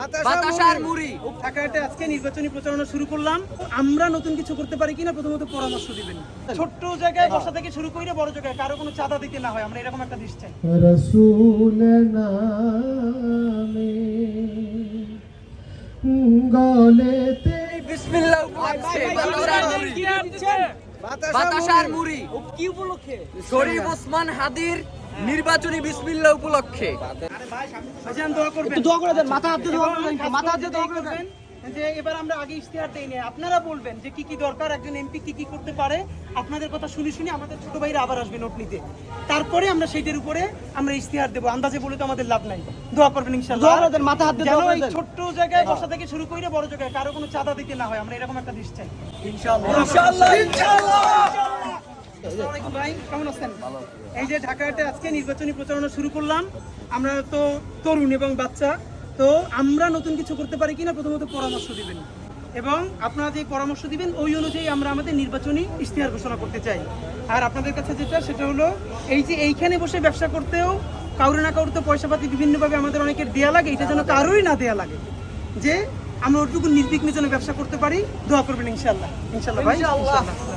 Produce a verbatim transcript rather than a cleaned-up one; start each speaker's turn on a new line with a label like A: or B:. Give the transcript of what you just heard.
A: বাতাসার মুড়ি।
B: ঢাকাতে আজকে নির্বাচনী প্রচারণা শুরু করলাম। আমরা নতুন কিছু করতে পারি কিনা প্রথমত পরামর্শ দিবেন। ছোট্ট জায়গায় বসা থেকে শুরু করে বড় জায়গায় কারো কোনো চাঁদা দিতে না হয়, আমরা এরকম একটা দেশ চাই।
C: রাসূল নামে গলেতে
A: বিসমিল্লাহ উপলক্ষে বাতাসার মুড়ি। বাতাসার মুড়ি
B: কি উপলক্ষে?
A: শরীফ ওসমান হাদির নির্বাচনী বিসমিল্লাহ উপলক্ষে।
B: ভাইজান দোয়া করবেন,
D: একটু দোয়া করে দেন, মাথা হাত দিয়ে দোয়া করে দেন, মাথা হাত দিয়ে দোয়া করে দেন।
B: যে এবার আমরা আগে ইশতেহার দেই না, আপনারা বলবেন যে কি কি দরকার, একজন এমপি কি কি করতে পারে। আপনাদের কথা শুনে শুনে আমাদের ছোট ভাইরা আবার আসবে নোট নিতে, তারপরে আমরা সেইটার উপরে আমরা ইশতেহার দেবো। আন্দাজে বলে তো আমাদের লাভ নাই। দোয়া করবেন ইনশাআল্লাহ।
D: দোয়া করে দেন, মাথা হাত দিয়ে
B: যেন
D: দোয়া করে
B: এই
D: দেন।
B: ছোট্ট জায়গায় বসা থেকে শুরু করে বড় জায়গায় কারো কোনো চাঁদা দিতে না হয়, আমরা এরকম একটা দেশ চাই।
A: ইনশাআল্লাহ
B: ইনশাআল্লাহ ইনশাআল্লাহ। আসসালামু আলাইকুম ভাই, কেমন আছেন? এই যে ঢাকাতে আজকে নির্বাচনী প্রচারণা শুরু করলাম। আমরা তো তরুণ এবং বাচ্চা, তো আমরা নতুন কিছু করতে পারি কিনা প্রথমত পরামর্শ দিবেন, এবং আপনারা যে পরামর্শ দিবেন ওই অনুযায়ী আমরা আমাদের নির্বাচনী ইশতেহার ঘোষণা করতে চাই। আর আপনাদের কাছে যেটা সেটা হলো এই যে এইখানে বসে ব্যবসা করতেও কাউরে না কাউরে তো পয়সাপাতি বিভিন্নভাবে আমাদের অনেকের দেয়া লাগে, এটা যেন কারোই না দেয়া লাগে, যে আমরা ওটুকু নির্বিঘ্নে যেন ব্যবসা করতে পারি। দোয়া করবেন ইনশাআল্লাহ। ইনশাআল্লাহ ভাই, ইনশাআল্লাহ।